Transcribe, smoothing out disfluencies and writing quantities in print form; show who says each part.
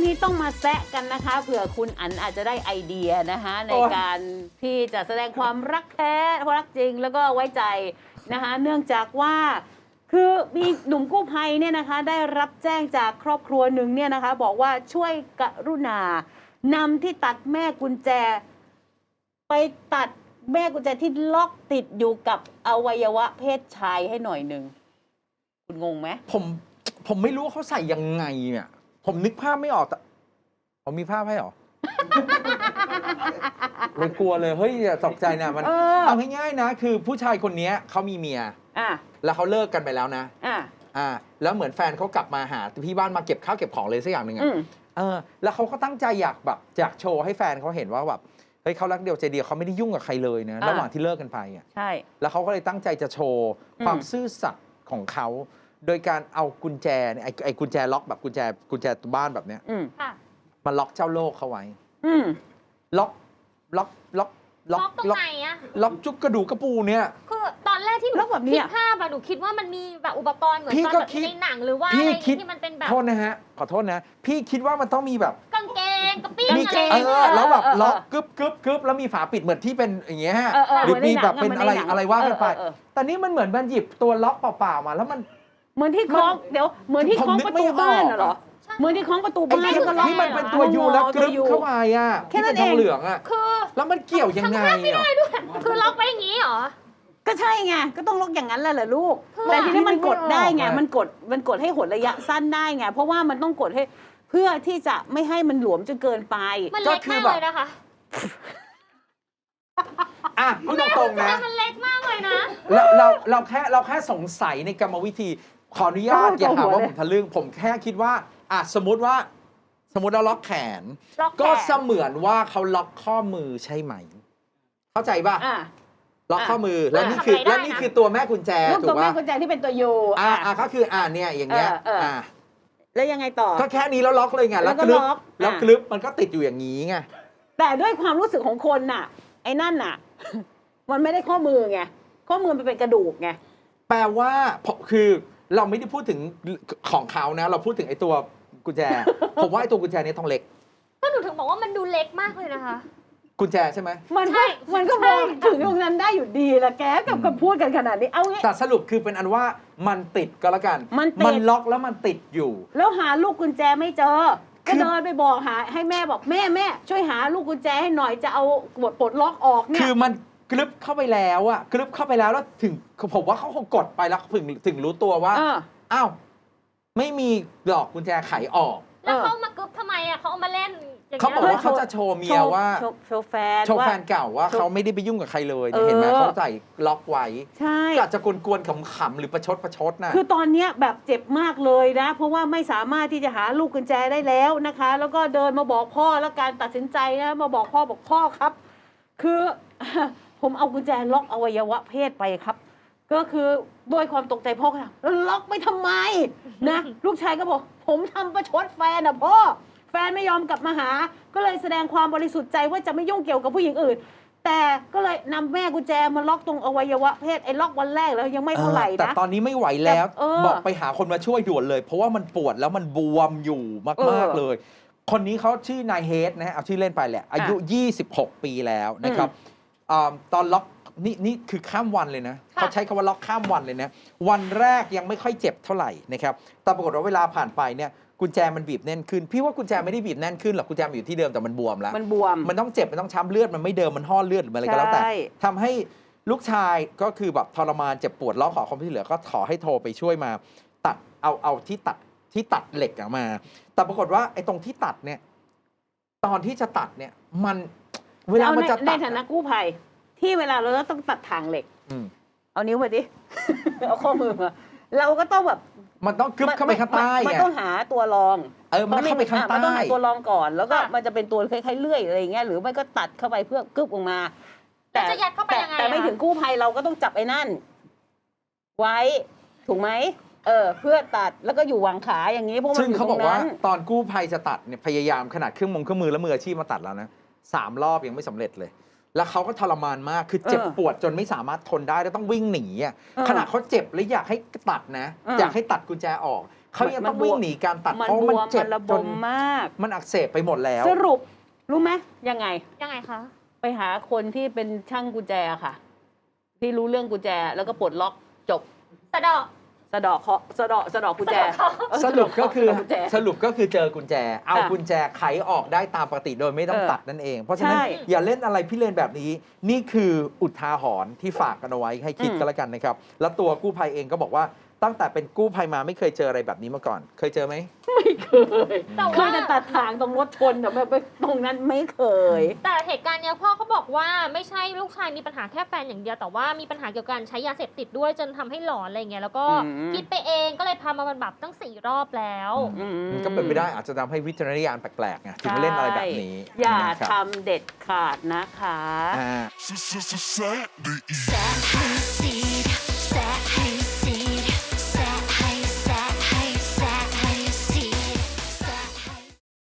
Speaker 1: นี้ต้องมาแซะกันนะคะเผื่อคุณอั๋นอาจจะได้ไอเดียนะคะในการที่จะแสดงความรักแท้รักจริงแล้วก็ไว้ใจนะคะเนื่องจากว่าคือมีหนุ่มกู้ภัยเนี่ยนะคะได้รับแจ้งจากครอบครัวหนึ่งเนี่ยนะคะบอกว่าช่วยกรุณานำที่ตัดแม่กุญแจไปตัดแม่กุญแจที่ล็อกติดอยู่กับอวัยวะเพศชายให้หน่อยหนึ่งคุณงงไหม
Speaker 2: ผมไม่รู้ว่าเขาใส่ยังไงเนี่ยผมนึกภาพไม่ออกแต่ผมมีภาพให้หรอ เลยกลัวเลยเฮ้ยอย่าตกใจนะมันเอาง่ายๆนะคือผู้ชายคนนี้เขามีเมียแล้วเขาเลิกกันไปแล้วนะแล้วเหมือนแฟนเขากลับมาหาที่บ้านมาเก็บข้าวเก็บของเลยสักอย่างหนึ่งแล้วเขาก็ตั้งใจอยากโชว์ให้แฟนเขาเห็นว่าแบบเฮ้ยเขารักเดียวใจเดียวเขาไม่ได้ยุ่งกับใครเลยนะระหว่างที่เลิกกันไปใช่แล้วเขาก็เลยตั้งใจจะโชว์ความซื่อสัตย์ของเขาโดยการเอากุญแจเนี่ยไอ้กุญแจล็อกแบบกุญแจตัวบ้านแบบเนี้ยมาล็อกเจ้าโลกเขาไว้ล็อก
Speaker 3: ตรงไหนอะ
Speaker 2: ล็อกจุกกระดูกกระปูเนี่ย
Speaker 3: คือตอนแรกที่หนูคิดภาพอะหนูคิดว่ามันมีแบบอุปกรณ์เหมือนตอนแบบในหนังหรือว่าอะไรที่มันเป็นแบบ
Speaker 2: โทษนะฮะขอโทษนะพี่คิดว่ามันต้องมีแบบ
Speaker 3: กางเกงกระปิ้งอะไร
Speaker 2: แล้วแบบล็อกกึบแล้วมีฝาปิดเหมือนที่เป็นอย่างเงี้ยฮะหรือมีแบบเป็นอะไรว่ากันไปแต่นี่มันเหมือนมันหยิบตัวล็อกเปล่าๆมาแล้วมัน
Speaker 1: เหมือนที่คล้องเดี๋ยวเหมือนที่คล้องประตูบ้านเหรอเหมือนที่คล้องประตูบ้านก็ล็อก
Speaker 2: ที่มันเป็นตัวยูแล้วกรึบเข้ามาอ่ะ
Speaker 1: แค่นั้นเอง
Speaker 2: เหลืองอ่ะ
Speaker 3: คือ
Speaker 2: แล้วมันเกี่ยวยังไงอ่ะ
Speaker 3: คือล็อกไปอย่างนี้เหรอ
Speaker 1: ก็ใช่ไงก็ต้องล็อกอย่างนั้นแหละลูกแต่ทีนี้มันกดได้ไงมันกดให้หดระยะสั้นได้ไงเพราะว่ามันต้องกดให้เพื่อที่จะไม่ให้มันหลวมจนเกินไป
Speaker 3: มันเล็กมากเลยนะคะ
Speaker 2: พูดตรงๆนะ
Speaker 3: มันเล็กมากเลยนะ
Speaker 2: เราแค่สงสัยในกรรมวิธีขออนุญาตอย่าหาว่าผมทะลึ่งผมแค่คิดว่าสมมติเราล็อกแขนก็เสมือนว่าเขาล็อกข้อมือใช่ไหมเข้าใจป่ะล็อกข้อมือแล้วนี่คือตัวแม่กุญแจถูกป่ะ
Speaker 1: ตัวแม่กุญแจที่เป็นตัวยู
Speaker 2: ก็คือเนี่ยอย่างเงี้ย
Speaker 1: แล้วยังไงต่อ
Speaker 2: ก็แค่นี้แล้วล็อกเลยไงแล้วกลึบมันก็ติดอยู่อย่างนี้ไง
Speaker 1: แต่ด้วยความรู้สึกของคนน่ะไอ้นั่นน่ะมันไม่ได้ข้อมือไงข้อมือมันเป็นกระดูกไง
Speaker 2: แปลว่าคือเราไม่ได้พูดถึงของเขานะเราพูดถึงไอ้ตัวกุญแจผมว่าไอ้ตัวกุญแจนี้ต้องเล็ก
Speaker 3: ก็หนูถึงบอกว่ามันดูเล็กมากเลยนะคะ
Speaker 2: กุญแจใช่ไหม
Speaker 1: มันก็มองถึงตรงนั้นได้อยู่ดีละแกกับพูดกันขนาดนี้เอา
Speaker 2: แต่สรุปคือเป็นอันว่ามันติดก็แล้วกันมันล็อกแล้วมันติดอยู่
Speaker 1: แล้วหาลูกกุญแจไม่เจอก็เดินไปบอกหาให้แม่บอกแม่ช่วยหาลูกกุญแจให้หน่อยจะเอาปลดล็อกออกเนี่ย
Speaker 2: คือมันกลึบเข้าไปแล้วแล้วถึงผมว่าเขาคงกดไปแล้วถึงรู้ตัวว่าอ้าวไม่มีดอกกุญแจไขออก
Speaker 3: แล้วเขามากึบทำไมเขาเอามาเล่น
Speaker 2: เขาบอกว่าเขาจะโชว์เมียว่า
Speaker 1: โชว์แฟน
Speaker 2: เก่าว่าเขาไม่ได้ไปยุ่งกับใครเลยเห็นไหมเขาใส่ล็อกไว้
Speaker 1: ใช่
Speaker 2: ก็จะกวนๆขำๆหรือประชดนะ
Speaker 1: คือตอนนี้แบบเจ็บมากเลยนะเพราะว่าไม่สามารถที่จะหาลูกกุญแจได้แล้วนะคะ แล้วก็เดินมาบอกพ่อแล้วการตัดสินใจนะมาบอกพ่อครับคือผมเอากุญแจล็อกอวัยวะเพศไปครับก็คือด้วยความตกใจพ่อก็ถามแล้วล็อกไปทำไมนะลูกชายก็บอกผมทำประชดแฟนพ่อแฟนไม่ยอมกลับมาหาก็เลยแสดงความบริสุทธิ์ใจว่าจะไม่ยุ่งเกี่ยวกับผู้หญิงอื่นแต่ก็เลยนำแม่กุญแจมาล็อกตรงอวัยวะเพศไอ้ล็อกวันแรกแล้วยังไม่เท่าไหร่นะ
Speaker 2: แต่ตอนนี้ไม่ไหวแล้วบอกไปหาคนมาช่วยด่วนเลยเพราะว่ามันปวดแล้วมันบวมอยู่มากๆเลยคนนี้เขาชื่อนายเฮดนะฮะเอาชื่อเล่นไปแหละอายุ26 ปีแล้วนะครับตอนล็อกนี่คือข้ามวันเลยนะเขาใช้คำว่าล็อกข้ามวันเลยนะวันแรกยังไม่ค่อยเจ็บเท่าไหร่นะครับแต่ปรากฏว่าเวลาผ่านไปเนี่ยกุญแจมันบีบแน่นขึ้นพี่ว่ากุญแจไม่ได้บีบแน่นขึ้นหรอกกุญแจมันอยู่ที่เดิมแต่มันบวมแล้วมันต้องเจ็บมันต้องช้ำเลือดมันไม่เดิมมันห่อเลือดหรืออะไรก็แล้วแต่ทำให้ลูกชายก็คือแบบทรมานเจ็บปวดร้องขอความช่วยเหลือก็ขอให้โทรไปช่วยมาตัดเอาที่ตัดเหล็กออกมาแต่ปรากฏว่าไอ้ตรงที่ตัดเนี่ยตอนที่จะตัดเนี่ยมันเวลามันจะตัด
Speaker 1: ในฐานะกู้ภัยที่เวลาเราต้องตัดทางเหล็กเอานิ้วไปดิ เอาข้อมือมาเราก็ต้องแบบ
Speaker 2: มันต้องกึบเข้าไปข้างใต้
Speaker 1: มันต้องหาตัวรอง
Speaker 2: มันเข้าไปข้างใต้
Speaker 1: มันต้องหาตัวรองก่อนแล้วก็มันจะเป็นตัวคล้ายๆเลื่อยอะไรอย่างเงี้ยหรือไม่ก็ตัดเข้าไปเพื่อกึบออกมา
Speaker 3: แต่จะยัดเข้าไปยังไง
Speaker 1: แต่ไม่ถึงกู้ภัยเราก็ต้องจับไอ้นั่นไว้ถูกไหมเพื่อตัดแล้วก็อยู่วางขาอย่างนี้เพราะมันอยู่ตรงนั้นซึ่งเขาบอกว่า
Speaker 2: ตอนกู้ภัยจะตัดเนี่ยพยายามขนาดเครื่องมือและมืออาชีพมาตัดแล้วนะ3 รอบยังไม่สำเร็จเลยแล้วเขาก็ทรมานมากคือเจ็บปวดจนไม่สามารถทนได้แล้วต้องวิ่งหนีขณะเขาเจ็บและอยากให้ตัดนะอยากให้ตัดกุญแจออกเขายังต้องวิ่งหนีการตัด
Speaker 1: มัน
Speaker 2: เพราะ
Speaker 1: บ
Speaker 2: มัน
Speaker 1: วม
Speaker 2: เจ็
Speaker 1: มั
Speaker 2: บ
Speaker 1: นระบ
Speaker 2: จ
Speaker 1: ม
Speaker 2: น
Speaker 1: มาก
Speaker 2: มันอักเสบไปหมดแล้ว
Speaker 1: สรุปรู้ไหมยังไง
Speaker 3: ยังไงคะ
Speaker 1: ไปหาคนที่เป็นช่างกุญแจค่ะ ที่รู้เรื่องกุญแจแล้วก็ปลดล็อกจบ
Speaker 3: สะเดาะ
Speaker 1: สะเดาะเคราะห์สะเดาะกุญแจ
Speaker 2: สรุปก็คือ
Speaker 1: สะเดาะกุญแจ
Speaker 2: สรุปก็คือเจอกุญแจ เอา
Speaker 1: ค่ะ
Speaker 2: กุญแจไขออกได้ตามปกติโดยไม่ต้อง
Speaker 1: เออ
Speaker 2: ตัดนั่นเอง เพราะฉะนั้น
Speaker 1: ใช่
Speaker 2: อย่าเล่นอะไรพี่เลนแบบนี้ นี่คืออุทาหรณ์ที่ฝากกันเอาไว้ให้คิด
Speaker 1: อืม
Speaker 2: กันแล้วกันนะครับ แล้วตัวกู้ภัยเองก็บอกว่าตั้งแต่เป็นกู้ภัยมาไม่เคยเจออะไรแบบนี้มาก่อน เคยเจอไหม
Speaker 1: ไม่เคย
Speaker 3: แต่
Speaker 1: เค
Speaker 3: ว่า
Speaker 1: ยแต่ตัดทางตรงรถชนแต่แบบตรงนั้นไม่เคย
Speaker 3: แต่เหตุการณ์เนี้ยพ่อเขาบอกว่าไม่ใช่ลูกชายมีปัญหาแค่แฟนอย่างเดียวแต่ว่ามีปัญหาเกี่ยวกับการใช้ยาเสพติดด้วยจนทำให้หลอนอะไรเงี้ยแล้วก็
Speaker 1: อืม
Speaker 3: คิดไปเองก็เลยพามาบำบัดตั้ง4 รอบแล้ว
Speaker 1: อืม
Speaker 2: มันก็เป็นไปได้อาจจะทำให้วิจารณญาณแปลกๆไงถึงมาเล่นอะไรแบบนี้
Speaker 1: อย่า
Speaker 2: นะครับ
Speaker 1: ทำเด็ดขาดนะคะ
Speaker 2: อ่า
Speaker 4: Saturday.